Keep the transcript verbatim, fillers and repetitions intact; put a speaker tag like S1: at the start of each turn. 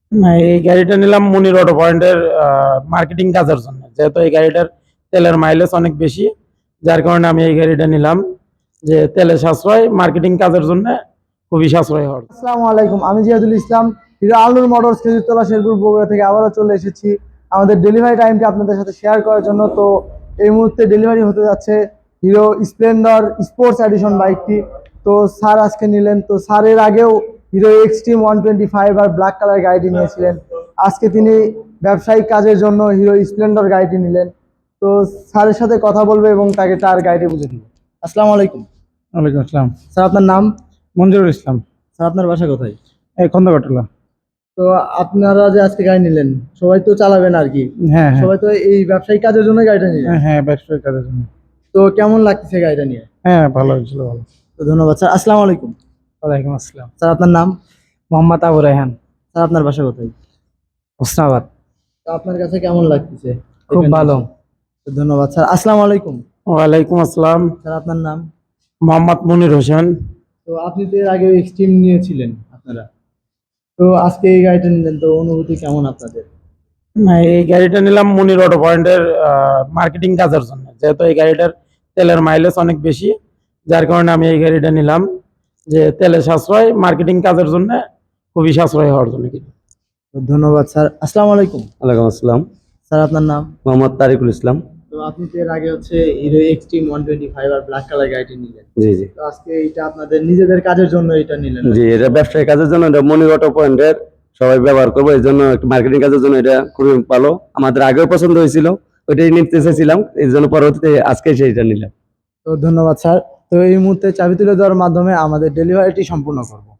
S1: না, এই গাড়িটা নিলাম মুনির অটো পয়েন্টের মার্কেটিং কাজের জন্য, যেহেতু এই গাড়িটার তেলের মাইলেজ অনেক বেশি, যার কারণে আমি এই গাড়িটা নিলাম। যে তেলের সাশ্রয়, মার্কেটিং কাজের জন্য খুবই সাশ্রয় হওয়ার।
S2: আসসালামু আলাইকুম, আমি জিয়াদুল ইসলাম, হিরো আলনুর মোটরস খেজুরতলা শেরপুর বগুড়া থেকে আবারও চলে এসেছি আমাদের ডেলিভারি টাইমটি আপনাদের সাথে শেয়ার করার জন্য। তো এই মুহূর্তে ডেলিভারি হতে যাচ্ছে হিরো স্প্লেন্ডার স্পোর্টস এডিশন বাইকটি। তো স্যার আজকে নিলেন। তো স্যারের আগেও Hero Xtreme one twenty five আর ব্ল্যাক কালার গাড়িটি নিয়েছিলেন। আজকে তিনি ব্যবসায়িক কাজের জন্য হিরো স্প্লেন্ডার গাড়িটি নিলেন। তো স্যারের সাথে কথা বলবে এবং তাকে তার গাড়িটি বুঝে দিব। আসসালামু আলাইকুম।
S1: ওয়ালাইকুম আসসালাম।
S2: স্যার, আপনার নাম?
S1: মঞ্জুরুল ইসলাম।
S2: স্যার, আপনার বাসা কোথায়?
S1: এই খন্দকাটলা।
S2: তো আপনারা যে আজকে গাড়ি নিলেন, সবাই তো চালাবেন আর কি?
S1: হ্যাঁ হ্যাঁ
S2: সবাই তো এই ব্যবসায়িক কাজের জন্য গাড়িটা নিলেন।
S1: হ্যাঁ হ্যাঁ, ব্যবসায়িক কাজের জন্য।
S2: তো কেমন লাগতেছে গাড়িটা নিয়ে?
S1: হ্যাঁ, ভালো হয়েছিল, ভালো।
S2: তো ধন্যবাদ স্যার। আসসালামু আলাইকুম।
S1: ওয়ালাইকুম আসসালাম।
S2: স্যার, আপনার নাম?
S1: মোহাম্মদ আবু রায়হান,
S2: স্যার, আপনার বাসা কোথায়?
S1: হোসনাবাদ।
S2: তো আপনার কাছে কেমন লাগতেছে?
S1: খুব
S2: এখানে
S1: ভালো।
S2: এসে? তো ধন্যবাদ স্যার। আসসালামু আলাইকুম।
S1: ওয়ালাইকুম আসসালাম।
S2: স্যার, আপনার নাম?
S1: মোহাম্মদ মুনির হোসেন।
S2: তো আপনি তো এর আগে এক্সট্রিম নিয়েছিলেন আপনারা, তো আজকে এই গাড়িটা নিলেন, তো অনুভূতি কেমন আপনাদের?
S1: না, এই গাড়িটা নিলাম মুনির অটো পয়েন্টের মার্কেটিং কাজের জন্য, যেহেতু এই গাড়িটার তেলের মাইলেজ অনেক বেশি, যার কারণে আমি এই গাড়িটা নিলাম। যে তেলের সাশ্রয়, মার্কেটিং কাজের জন্য খুবই সাশ্রয় হওয়ার জন্য কিনা।
S2: তো ধন্যবাদ স্যার। আসসালামু আলাইকুম।
S3: ওয়ালাইকুম আসসালাম।
S2: স্যার, আপনার নাম?
S3: মোহাম্মদ তারিকুল ইসলাম।
S2: তো আপনি তো এর আগে হচ্ছে Hero Xtreme one twenty five আর ব্ল্যাক কালার গাড়িটি নিলেন।
S3: জি জি
S2: তো আজকে এটা আপনাদের নিজেদের কাজের জন্য এটা নিলেন?
S3: জি, এটা ব্যবসায়ী কাজের জন্য, এটা মনির অটো পয়েন্টের সবাই ব্যবহার করবো, এই জন্য একটু মার্কেটিং কাজের জন্য এটা খুবই ভালো। আমাদের আগেও পছন্দ হয়েছিল, ওইটাই নিতে চেয়েছিলাম, এই জন্য পরবর্তীতে আজকে সেইটা নিলাম।
S2: তো ধন্যবাদ স্যার। তো এই মুহূর্তে চাবি তুলে দেওয়ার মাধ্যমে আমাদের ডেলিভারিটি সম্পূর্ণ করব।